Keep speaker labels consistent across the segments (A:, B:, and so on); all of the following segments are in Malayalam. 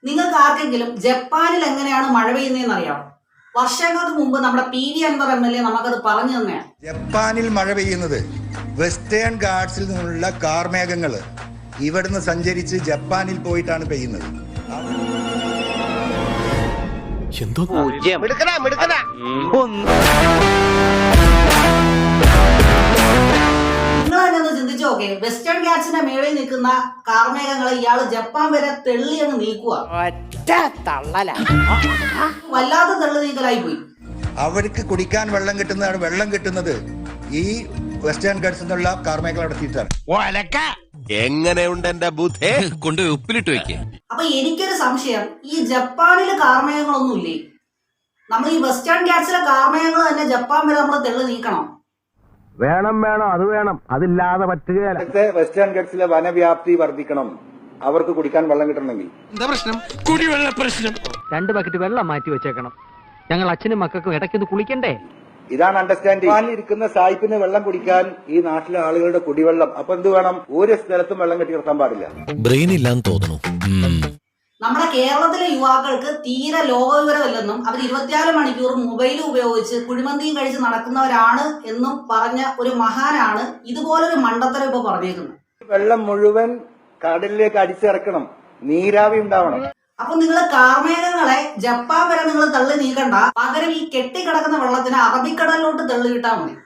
A: നിങ്ങൾക്ക് ആർക്കെങ്കിലും ജപ്പാനിൽ എങ്ങനെയാണ് മഴ പെയ്യുന്നതെന്ന് അറിയാമോ? വർഷങ്ങൾക്ക് മുമ്പ് നമ്മുടെ PV അൻവർ MLA നമുക്കത് പറഞ്ഞു തന്നെയാണ്.
B: ജപ്പാനിൽ മഴ പെയ്യുന്നത് വെസ്റ്റേൺ ഗാർഡ്സിൽ നിന്നുള്ള കാർമേഘങ്ങൾ ഇവിടുന്ന് സഞ്ചരിച്ച് ജപ്പാനിൽ പോയിട്ടാണ് പെയ്യുന്നത്.
A: നിങ്ങൾ തന്നെ ഒന്ന് ചിന്തിച്ചു നോക്കേ, വെസ്റ്റേൺ ഗാറ്റ്സിന്റെ മേളിൽ നിൽക്കുന്ന കാർമേഘങ്ങളെ ഇയാള് ജപ്പാൻ വരെ തെള്ളി അങ്ങ് നീക്കുക. വല്ലാത്ത തെള്ളി നീക്കലായി പോയി.
B: അവർക്ക് കുടിക്കാൻ വെള്ളം കിട്ടുന്നത് ഈ വെസ്റ്റേൺ ഗാർഡ്സിൽ നിന്നുള്ള കാർമേഘങ്ങൾ നടത്തിയിട്ടാണ്.
C: എങ്ങനെയുണ്ട് എന്റെ ബുദ്ധി? കൊണ്ട് ഉപ്പിലിട്ട് വെക്കേ.
A: അപ്പൊ എനിക്കൊരു സംശയം, ഈ ജപ്പാനില് കാർമേഘങ്ങളൊന്നും ഇല്ലേ? നമ്മൾ ഈ വെസ്റ്റേൺ ഗാറ്റ്സിലെ കാർമേഘങ്ങൾ തന്നെ ജപ്പാൻ വരെ നമ്മൾ തെള്ളി നീക്കണം.
D: വേണം അത് വേണം, അതില്ലാതെ പറ്റുകയല്ല.
B: വെസ്റ്റേൺ ഗാർഡ്സിലെ വനവ്യാപ്തി വർദ്ധിക്കണം, അവർക്ക് കുടിക്കാൻ വെള്ളം കിട്ടണമെങ്കിൽ.
C: എന്താ പ്രശ്നം? കുടിവെള്ള പ്രശ്നം.
D: 2 ബക്കറ്റ് വെള്ളം മാറ്റി വെച്ചേക്കണം. ഞങ്ങൾ അച്ഛനും മക്കൾക്കും ഇടയ്ക്കൊന്ന് കുളിക്കണ്ടേ?
B: ഇതാണ് അണ്ടർസ്റ്റാൻഡിംഗ്. ഇരിക്കുന്ന സായിപ്പിന് വെള്ളം കുടിക്കാൻ ഈ നാട്ടിലെ ആളുകളുടെ കുടിവെള്ളം. അപ്പൊ എന്ത് വേണം? ഒരു സ്ഥലത്തും വെള്ളം കെട്ടി നിർത്താൻ പാടില്ല.
C: ബ്രെയിൻ ഇല്ലാന്ന് തോന്നുന്നു.
A: നമ്മുടെ കേരളത്തിലെ യുവാക്കൾക്ക് തീരെ ലോകവിവരമില്ലെന്നും അവർ 24 മണിക്കൂർ മൊബൈൽ ഉപയോഗിച്ച് കുഴിമന്തിയും കഴിച്ച് നടക്കുന്നവരാണ് എന്നും പറഞ്ഞ ഒരു മഹാനാണ് ഇതുപോലൊരു മണ്ടത്തരം ഇപ്പൊ പറഞ്ഞേക്കുന്നത്.
B: വെള്ളം മുഴുവൻ കടലിലേക്ക് അടിച്ചിറക്കണം, നീരാവി ഉണ്ടാവണം.
A: അപ്പൊ നിങ്ങൾ കാർമേഘങ്ങളെ ജപ്പാൻ വരെ നിങ്ങൾ തള്ളി നീക്കണ്ട, പകരം ഈ കെട്ടിക്കിടക്കുന്ന വെള്ളത്തിന് അറബിക്കടലിലോട്ട് തള്ളി കിട്ടാ മതി.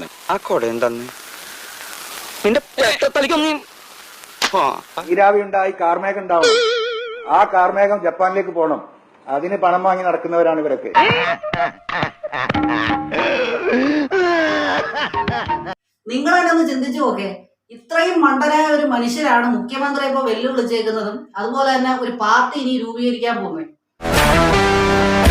B: നീരാവി ഉണ്ടായി കാർമേഘം ഉണ്ടാവണം. ആ കാർമേഘം ജപ്പാനിലേക്ക് പോകണം. അതിന് പണം വാങ്ങി നടക്കുന്നവരാണ് ഇവരൊക്കെ.
A: നിങ്ങൾ തന്നെ ഒന്ന് ചിന്തിച്ചു നോക്കേ, ഇത്രയും മണ്ടനായ ഒരു മനുഷ്യരാണ് മുഖ്യമന്ത്രി ഇപ്പൊ വെല്ലുവിളിച്ചേക്കുന്നതും അതുപോലെ തന്നെ ഒരു പാർട്ടി ഇനി രൂപീകരിക്കാൻ പോകുന്നത്.